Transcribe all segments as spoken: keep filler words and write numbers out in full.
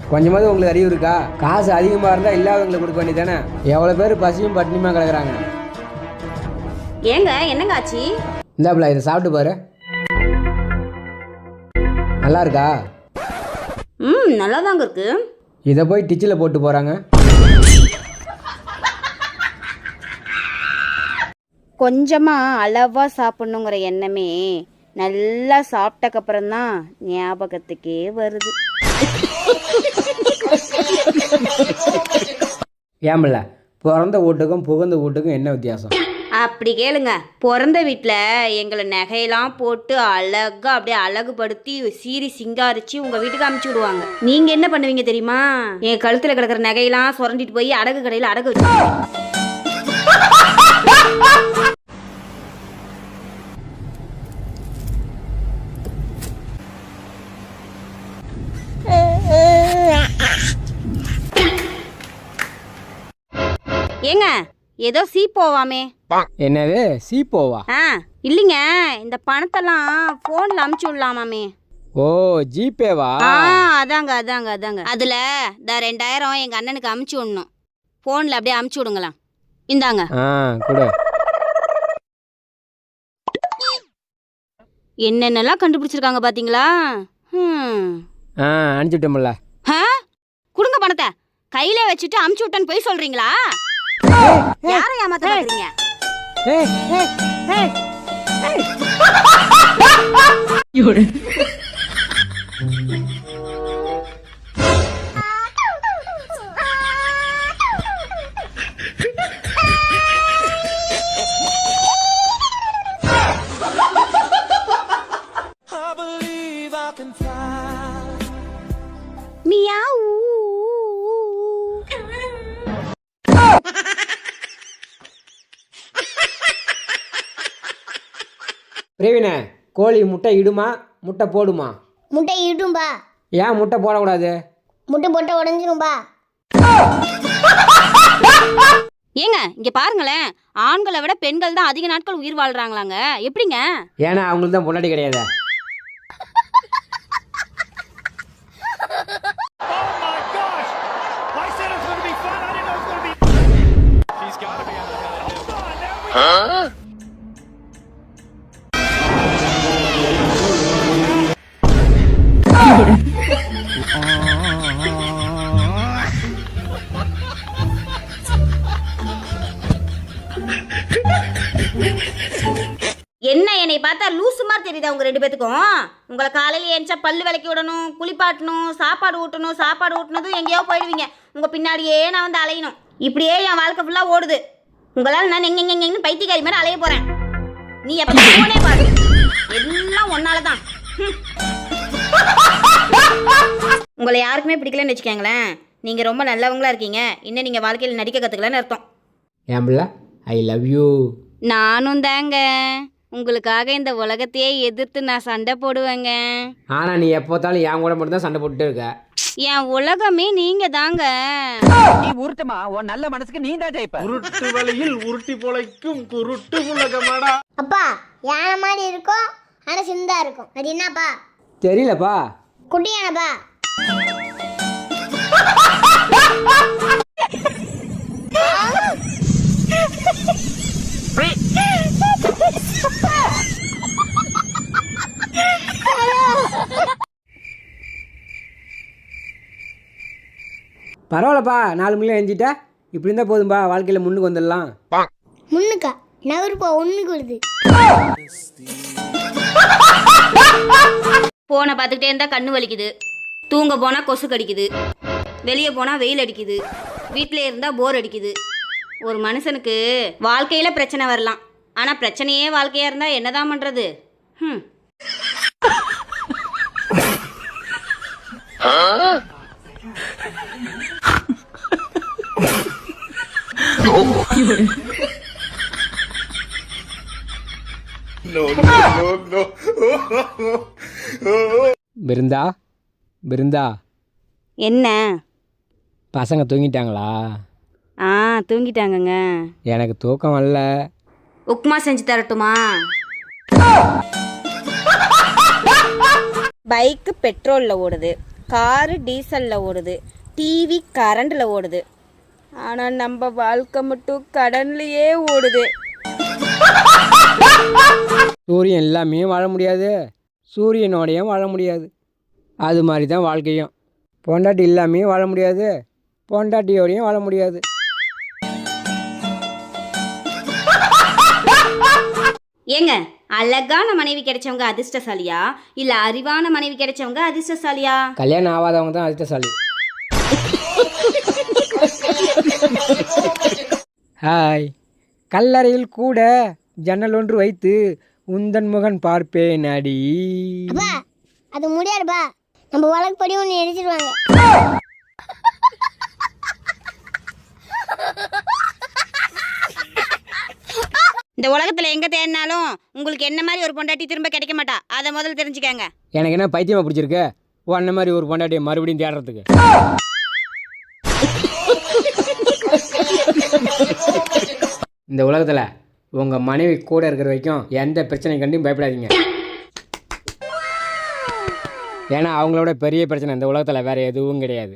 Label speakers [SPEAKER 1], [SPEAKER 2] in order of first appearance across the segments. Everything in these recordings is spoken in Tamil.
[SPEAKER 1] கொஞ்சமாவது உங்களுக்கு அறிவு இருக்கா? காசு அதிகமாக இருந்தால் இல்லாதவங்களுக்கு கொடுக்க வேண்டியதானே? எவ்வளோ பேர் பசியும் பட்டினியுமா கிடக்குறாங்க.
[SPEAKER 2] ஏங்க என்னங்க ஆச்சு?
[SPEAKER 1] இந்தாப்புல இதை சாப்பிட்டு பாரு. நல்லா இருக்கா?
[SPEAKER 2] ம் நல்லா தாங்க இருக்கு.
[SPEAKER 1] இதை போய் டிச்சில் போட்டு போகிறாங்க.
[SPEAKER 2] கொஞ்சமாக அளவாக சாப்பிட்ணுங்கிற எண்ணமே நல்லா சாப்பிட்டக்கப்புறம் தான் ஞாபகத்துக்கே வருது.
[SPEAKER 1] ஏம்பில்ல, பிறந்த வீட்டுக்கும் புகுந்த வீட்டுக்கும் என்ன வித்தியாசம்?
[SPEAKER 2] அப்படி கேளுங்க. பிறந்த வீட்டில் எங்களை நகையெல்லாம் போட்டு அழகாக அப்படியே அழகுபடுத்தி சீரி சிங்காரிச்சு உங்கள் வீட்டுக்கு அமுச்சு விடுவாங்க. நீங்கள் என்ன பண்ணுவீங்க தெரியுமா? என் கழுத்தில் கிடக்கிற நகையெல்லாம் சுரண்டிட்டு போய் அடகு கடையில் அடகு வச்சு. ஏங்க ஏதோ சீ போவாமே.
[SPEAKER 1] என்னது சீப்போவா?
[SPEAKER 2] ஆ இல்லைங்க, இந்த பணத்தெல்லாம் ஃபோனில் அமுச்சு விடலாமாமே.
[SPEAKER 1] ஓ ஜிபேவா?
[SPEAKER 2] ஆ அதாங்க அதாங்க அதாங்க அதில் இந்த ரெண்டாயிரம் எங்கள் அண்ணனுக்கு அமுச்சு விடணும். ஃபோனில் அப்படியே அமுச்சு விடுங்களா. இந்தாங்க.
[SPEAKER 1] ஆ கொடு.
[SPEAKER 2] என்னென்னலாம் கண்டுபிடிச்சிருக்காங்க பார்த்தீங்களா? ம்
[SPEAKER 1] ஆ அனுப்பிச்சுட்டோம்ல.
[SPEAKER 2] ஆ கொடுங்க பணத்தை. கையில வச்சுட்டு அமுச்சு விட்டேன்னு போய் சொல்றீங்களா? யாரை ஏமாத்த பாக்குறீங்க?
[SPEAKER 1] ஏய் ஏய் ஏய் ஏய்.
[SPEAKER 3] யோட
[SPEAKER 2] மியாவ்.
[SPEAKER 1] பிரவீன, கோழி முட்டை இடுமா முட்டை போடுமா?
[SPEAKER 4] முட்டை இடும்பா.
[SPEAKER 1] ஏன் முட்டை போடக்கூடாது?
[SPEAKER 4] முட்டை போட்ட உடஞ்சிரும்பா.
[SPEAKER 2] ஏங்க இங்க பாருங்களேன், ஆண்களை விட பெண்கள் தான் அதிக நாட்கள் உயிர் வாழ்றாங்களாங்க. எப்படிங்க?
[SPEAKER 1] ஏன்னா அவங்களுக்கு தான் பொண்டாட்டி கிடையாது.
[SPEAKER 2] என்ன என்னை பார்த்தா லூசு மாதிரி தெரியுதா உங்க ரெண்டு பேத்துக்கும்? உங்களை காலையில் ஏன்ச்சா பல்லு விளக்கி விடணும், குளிப்பாட்டணும், சாப்பாடு ஊட்டணும். சாப்பாடு ஊட்டினதும் எங்கேயோ போயிடுவீங்க. உங்க பின்னாடியே நான் வந்து அலையணும். இப்படியே என் வாழ்க்கை ஃபுல்லா ஓடுது. உங்களால் நான் எங்க எங்கன்னு பைத்தியக்காரி மாதிரி அலைய போறேன். நீ எப்ப போனே பாரு, எல்லாம் ஒன்னாலதான். உங்களை யாருக்குமே பிடிக்கலன்னு வச்சுக்கோங்களேன். நீங்க ரொம்ப நல்லவங்களா இருக்கீங்க. இன்னும் நீங்க வாழ்க்கையில் நடிக்க கத்துக்கலன்னு அர்த்தம்.
[SPEAKER 1] ஏன் பிள்ளை, ஐ லவ் யூ.
[SPEAKER 2] நானும் தாங்க. உங்களுக்காக இந்த உலகத்தையே எதிர்த்து நான் சண்டை போடுவேங்க.
[SPEAKER 1] ஆனா நீ எப்போத்தாலும் என் கூட மட்டும் தான் சண்டை போட்டுட்டே இருக்க.
[SPEAKER 2] என் உலகமே நீங்க தாங்க.
[SPEAKER 5] நீ உருட்டுமா, உன் நல்ல மனசுக்கு நீ தான் ஜெயிப்ப.
[SPEAKER 6] உருட்டு வலையில் உருட்டி பொழைக்கும் குருட்டு உலகமாடா.
[SPEAKER 4] அப்பா யானை மாதிரி இருக்கும், ஆனா சின்னதா இருக்கும். அது என்னப்பா?
[SPEAKER 1] தெரியலப்பா.
[SPEAKER 4] குட்டி யானைப்பா.
[SPEAKER 1] பரவாயில்லப்பா, நாலு மணி எழுந்திட்டா இப்படி இருந்தால் போதும்பா. வாழ்க்கையில் முன்னுக்கு வந்துடலாம்.
[SPEAKER 4] முன்னுக்கா நகருப்பா ஒண்ணுக்கு வருது.
[SPEAKER 2] போனை பார்த்துக்கிட்டே இருந்தா கண்ணு வலிக்குது. தூங்க போனா கொசு கடிக்குது. வெளியே போனா வெயில் அடிக்குது. வீட்டிலே இருந்தா போர் அடிக்குது. ஒரு மனுஷனுக்கு வாழ்க்கையில பிரச்சனை வரலாம், ஆனா பிரச்சனையே வாழ்க்கையா இருந்தா என்னதான் பண்றது? ம்
[SPEAKER 1] பிருந்தா, பிருந்தா,
[SPEAKER 2] என்ன
[SPEAKER 1] பசங்க தூங்கிட்டாங்களா?
[SPEAKER 2] ஆ தூங்கிட்டாங்கங்க.
[SPEAKER 1] எனக்கு தூக்கம் வரல.
[SPEAKER 2] உப்புமா செஞ்சு தரட்டுமா? பைக்கு பெட்ரோலில் ஓடுது, காரு டீசலில் ஓடுது, டிவி கரண்டில் ஓடுது, ஆனால் நம்ம வாழ்க்கை மட்டும் கடன்லையே ஓடுது.
[SPEAKER 1] சூரியன் எல்லாமே வாழ முடியாது, சூரியனோடையும் வாழ முடியாது. அது மாதிரி தான் வாழ்க்கையும். பொண்டாட்டி இல்லாமே வாழ முடியாது, பொண்டாட்டியோடையும் வாழ முடியாது.
[SPEAKER 2] ஏங்க, அழகான மனைவி கிடைச்சவங்க அதிர்ஷ்டசாலியா இல்லை அறிவான மனைவி கிடைச்சவங்க அதிர்ஷ்டசாலியா?
[SPEAKER 1] கல்யாணம் ஆகாதவங்க தான் அதிர்ஷ்டசாலி. ஹாய். கல்லறையில் கூட ஜன்னல் ஒன்று வைத்து உந்தன் முகன் பார்ப்பேன் அடி.
[SPEAKER 4] அப்பா அது முடியாதுப்பா, நம்ம வழக்கப்படி ஒன்று எரிச்சிருவாங்க.
[SPEAKER 2] இந்த உலகத்தில் எங்கே தேடினாலும் உங்களுக்கு என்ன மாதிரி ஒரு பொண்டாட்டி திரும்ப கிடைக்க மாட்டா. அதை முதல்ல தெரிஞ்சுக்கங்க.
[SPEAKER 1] எனக்கு என்ன பைத்தியமாக பிடிச்சிருக்கு உன்ன மாதிரி ஒரு பொண்டாட்டியை மறுபடியும் தேடுறதுக்கு? இந்த உலகத்தில் உங்கள் மனைவி கூட இருக்கிற வரைக்கும் எந்த பிரச்சனை கண்டும் பயப்படாதீங்க. ஏன்னா அவங்களோட பெரிய பிரச்சனை இந்த உலகத்தில் வேற எதுவும் கிடையாது.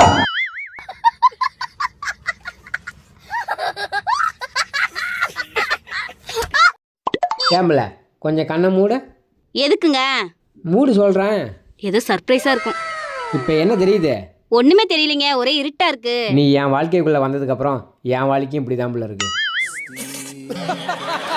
[SPEAKER 1] ஏம்பல கொஞ்சம் கண்ணை மூட.
[SPEAKER 2] எதுக்குங்க?
[SPEAKER 1] மூடு சொல்கிறேன்.
[SPEAKER 2] ஏதோ சர்ப்ரைஸாக இருக்கும்.
[SPEAKER 1] இப்போ என்ன தெரியுது?
[SPEAKER 2] ஒன்றுமே தெரியலைங்க, ஒரே இருட்டா இருக்கு.
[SPEAKER 1] நீ என் வாழ்க்கைக்குள்ளே வந்ததுக்கப்புறம் என் வாழ்க்கையும் இப்படி தான் இருக்கு.